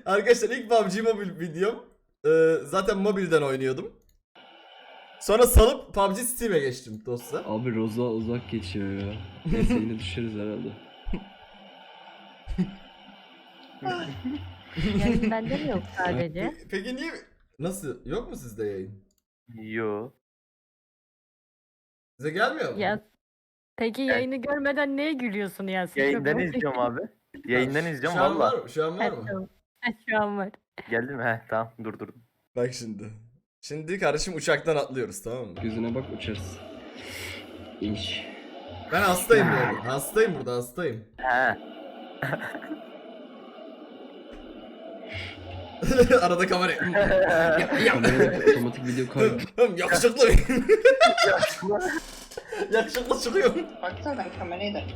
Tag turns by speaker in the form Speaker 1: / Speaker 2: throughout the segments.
Speaker 1: Arkadaşlar ilk PUBG Mobile videom. Zaten mobilden oynuyordum. Sonra salıp PUBG Steam'e geçtim dostlar.
Speaker 2: Abi Roza uzak geçiyor ya. Neyse yine düşeriz herhalde.
Speaker 3: Yayın bende mi yok sadece?
Speaker 1: Peki niye... Nasıl? Yok mu sizde yayın?
Speaker 4: Yo.
Speaker 1: Size gelmiyor mu?
Speaker 3: Ya peki yayını görmeden neye gülüyorsun Yasin?
Speaker 4: Yayından izliyorum abi. Yayından izliyorum
Speaker 1: Şu an var
Speaker 4: valla.
Speaker 1: mı? Şu an var mı?
Speaker 3: Şu an var.
Speaker 4: Geldi mi? He tamam durdurdum.
Speaker 1: Bak şimdi. Şimdi kardeşim uçaktan atlıyoruz, tamam mı?
Speaker 2: Gözüne bak uçarız. İnş.
Speaker 1: Ben hastayım yani. Hastayım burada, hastayım.
Speaker 4: He.
Speaker 1: Arada kamera.
Speaker 2: Kamerada otomatik video kaydı.
Speaker 1: Yakışıklı. Yakışıklı çıkıyorum.
Speaker 5: Baksana ben kamerayı da.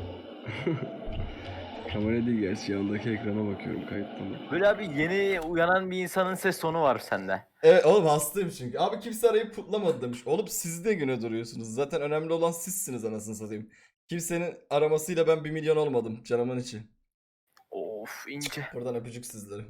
Speaker 2: Kamera değil gerçi yandaki ekrana bakıyorum kayıttan.
Speaker 4: Böyle abi yeni uyanan bir insanın ses tonu var sende.
Speaker 1: Evet oğlum hastayım çünkü. Abi kimse arayıp kutlamadı demiş. Oğlum siz de güne duruyorsunuz. Zaten önemli olan sizsiniz anasını satayım. Kimsenin aramasıyla ben 1 milyon olmadım canımın içi.
Speaker 4: Of ince.
Speaker 1: Buradan öpücük sizlere.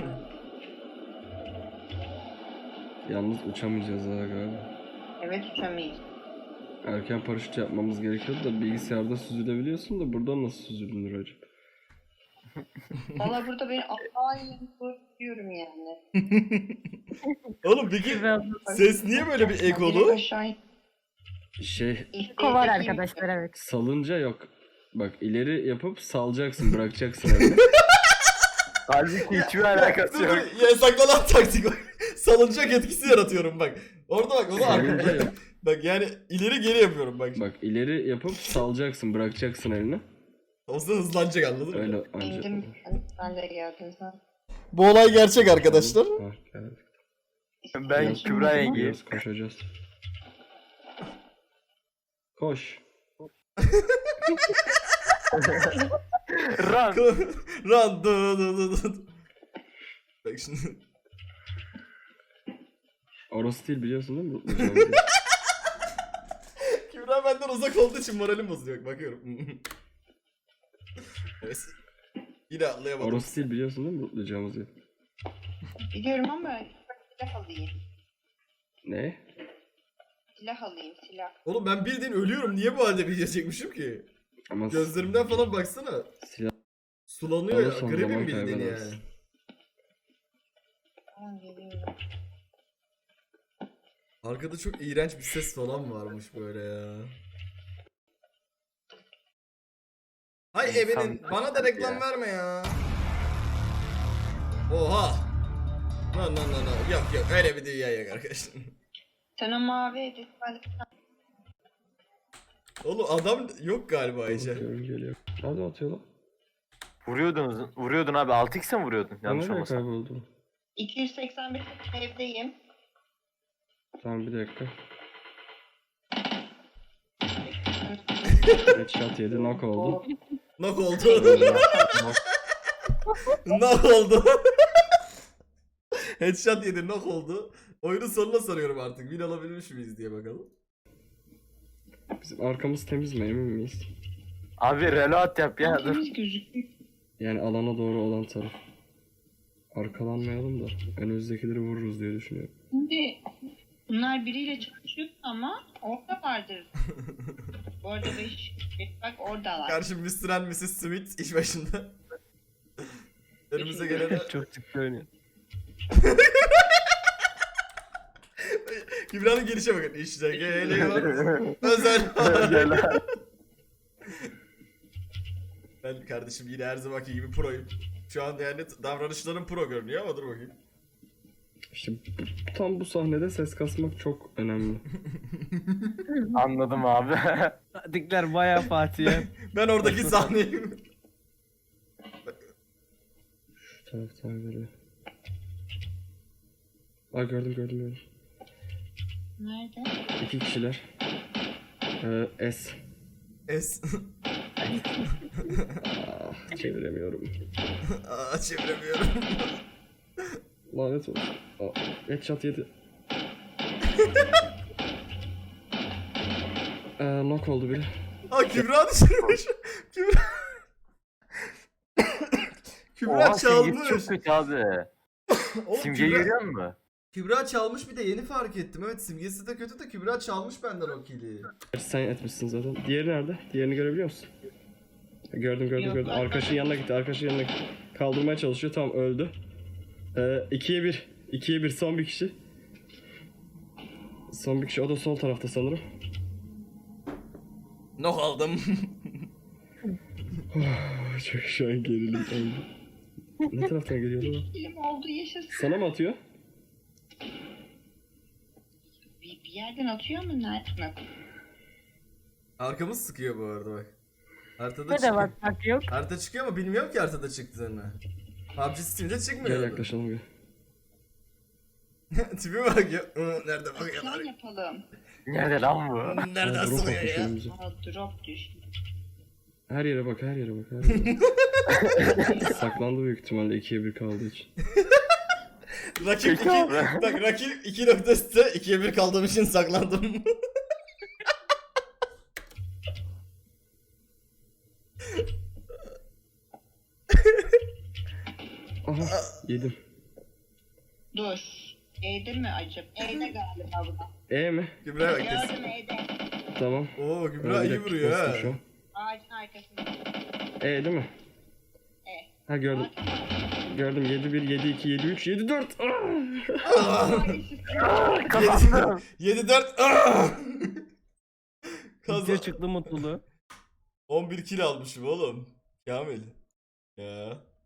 Speaker 2: Yalnız uçamayacağız ha galiba.
Speaker 5: Evet uçamayız.
Speaker 2: Erken paraşüt yapmamız gerekiyordu da bilgisayarda süzülebiliyorsun da buradan nasıl süzülür acaba?
Speaker 5: Valla burada beni Allah'a diyorum yani.
Speaker 1: Oğlum peki ses niye böyle bir ekolu?
Speaker 5: Aşağı
Speaker 2: Şey
Speaker 3: Kovar arkadaşlar evet.
Speaker 2: salınca yok. Bak ileri yapıp salacaksın bırakacaksın öyle.
Speaker 4: Halbuki hiçbir alakası yok.
Speaker 1: Yasaklanan taktik o. Salıncak etkisi yaratıyorum bak. Orada bak onu
Speaker 2: Salınca yok.
Speaker 1: Bak yani ileri geri yapıyorum bak.
Speaker 2: Bak ileri yapıp salacaksın bırakacaksın elini.
Speaker 1: O zaman hızlanacak, anladın mı?
Speaker 2: Öyle anca.
Speaker 5: indim. Ben de geldim sen.
Speaker 1: Bu olay gerçek arkadaşlar.
Speaker 2: Ha, geldik.
Speaker 4: Ben
Speaker 2: Biraz
Speaker 4: Kübra yengeyim.
Speaker 2: Biraz koşacağız. Koş.
Speaker 4: Run.
Speaker 1: Run. Du. Bak şimdi.
Speaker 2: Orası değil biliyorsun değil mi? Mutlu
Speaker 1: Kübra benden uzak olduğu için moralim bozuluyor. Bakıyorum. Evet. Yine atlayamadım.
Speaker 2: Orası değil biliyorsun değil mi? Mutlayacağımız yer.
Speaker 5: Biliyorum ama silah alayım.
Speaker 2: Ne?
Speaker 5: Silah alayım silah.
Speaker 1: Oğlum ben bildiğin ölüyorum. Niye bu halde video çekmişim ki?
Speaker 2: Ama
Speaker 1: Gözlerimden falan baksana.
Speaker 2: silah
Speaker 1: Sulanıyor ya.
Speaker 2: alırsan
Speaker 1: Gribim
Speaker 2: zaman
Speaker 1: bildiğin yani.
Speaker 2: kaybedersin.
Speaker 5: Tamam geliyorum.
Speaker 1: Arkada çok iğrenç bir ses falan varmış böyle ya. Hay
Speaker 4: İnsan
Speaker 1: ebenin bana da reklam
Speaker 4: ya.
Speaker 1: verme ya. Oha. No. Yok öyle bir dünya yok arkadaşlar.
Speaker 5: Sen o mavi edit ben
Speaker 1: Oğlum adam yok galiba Ayşe.
Speaker 2: Bakıyorum geliyor. Nerede atıyor lan?
Speaker 4: Vuruyordun abi 6x'e mi vuruyordun? Yanlış
Speaker 2: Nereye
Speaker 4: olmasın.
Speaker 2: kayboldu?
Speaker 5: 281 evdeyim.
Speaker 2: Tamam bir dakika. Headshot yedi knock oldu.
Speaker 1: Nok oldu. Nok oldu. Headshot yedi, nok oldu. Oyunun sonuna soruyorum artık. Win alabilmiş miyiz diye bakalım.
Speaker 2: Bizim arkamız temiz mi emin miyiz?
Speaker 4: Abi reload yap ya dur.
Speaker 5: Temiz gözüküyor.
Speaker 2: Yani alana doğru olan taraf. Arkalanmayalım da önümüzdekileri vururuz diye düşünüyorum.
Speaker 5: Şimdi bunlar biriyle çalışıyor ama orada vardır. Bu arada 5 bak oradalar.
Speaker 1: Karşı Mr. and Mrs. Smith iş başında. Önümüze gelene
Speaker 4: Çok ciddi oynuyor.
Speaker 1: Kübra'nın gelişe bakın. İşte geliyor. Özel. Ben kardeşim yine her zamanki gibi proyum. Şu an yani davranışlarım pro görünüyor ama dur bakayım.
Speaker 2: İşte tam bu sahnede ses kasmak çok önemli.
Speaker 4: Anladım abi.
Speaker 6: Dikler bayağı Fatih'e.
Speaker 1: Ben oradaki sahneyim.
Speaker 2: Şu taraftan geliyor. Aa gördüm.
Speaker 5: Nerede?
Speaker 2: 2 kişiler. S.
Speaker 1: Es.
Speaker 2: Çeviremiyorum.
Speaker 1: Aa çeviremiyorum.
Speaker 2: Lanet olsun. Aa, headshot yedi. Knock oldu biri.
Speaker 1: Aa Kübra düşürmüş. Kübra. Kübra
Speaker 4: Oha simgesi
Speaker 1: çalmış.
Speaker 4: çok kötü abi.
Speaker 1: Oğlum,
Speaker 4: Simgeyi
Speaker 1: Kübra,
Speaker 4: görüyor musun?
Speaker 1: Kübra çalmış, bir de yeni fark ettim. Evet, simgesi de kötü de Kübra çalmış benden o kili.
Speaker 2: Sen etmişsin zaten. Diğeri nerede? Diğerini görebiliyor musun? Gördüm
Speaker 5: Yok,
Speaker 2: gördüm.
Speaker 5: ben-
Speaker 2: Arkadaşın yanına gitti. Arkadaşın yanına gitti. Kaldırmaya çalışıyor. Tamam öldü. 2'ye 1. 2'ye 1 son bir kişi. Son bir kişi. O da sol tarafta sanırım.
Speaker 1: Nok aldım.
Speaker 2: Çok şu an gerilim oldu. Ne taraftan geliyordu bu?
Speaker 5: Film oldu yaşasın.
Speaker 2: Sana mı atıyor?
Speaker 5: Bir yerden atıyor mu? Nereden?
Speaker 1: Arkamız sıkıyor bu arada bak. Haritada
Speaker 3: Ne de
Speaker 1: çıkıyor.
Speaker 3: bakmak yok.
Speaker 1: Harita çıkıyor ama bilmiyorum ki haritada çıktığını. PUBG Steam'de çıkmıyor.
Speaker 2: Gel yaklaşalım gel.
Speaker 1: Tipi bak ya. Nerede bakıyorlar?
Speaker 5: Plan yapalım.
Speaker 4: Nerede lan bu?
Speaker 1: Nereden
Speaker 2: Drop
Speaker 1: sırıyor
Speaker 2: atmış
Speaker 1: ya?
Speaker 2: önümüze.
Speaker 5: Aa, drop düştü.
Speaker 2: Her yere bak, her yere bak, her yere bak. Saklandı büyük ihtimalle 2'ye 1 kaldığı için.
Speaker 1: Rakip 2.
Speaker 4: Peki abi.
Speaker 1: Bak rakip 2 nokta üstte 2'ye 1 kaldığım için saklandım.
Speaker 2: Aha yedim.
Speaker 5: Dur. E'de mi acaba? E'de galiba bu da.
Speaker 2: E mi?
Speaker 1: Kübra bak
Speaker 5: Gördüm E'de.
Speaker 2: Tamam.
Speaker 1: Oo
Speaker 2: Bir
Speaker 1: Kübra iyi
Speaker 2: dakika,
Speaker 1: vuruyor
Speaker 2: bastım
Speaker 1: ha.
Speaker 2: şu an.
Speaker 5: Ağacın arkasında.
Speaker 2: E değil mi?
Speaker 5: E.
Speaker 2: Ha gördüm.
Speaker 5: Aa, tamam.
Speaker 2: Gördüm 7-1, 7-2, 7-3, 7-4.
Speaker 4: Kazandım.
Speaker 1: 7-4.
Speaker 6: Video çıktı mutluluğu.
Speaker 1: 11 kill almışım oğlum. Kamil. Ya.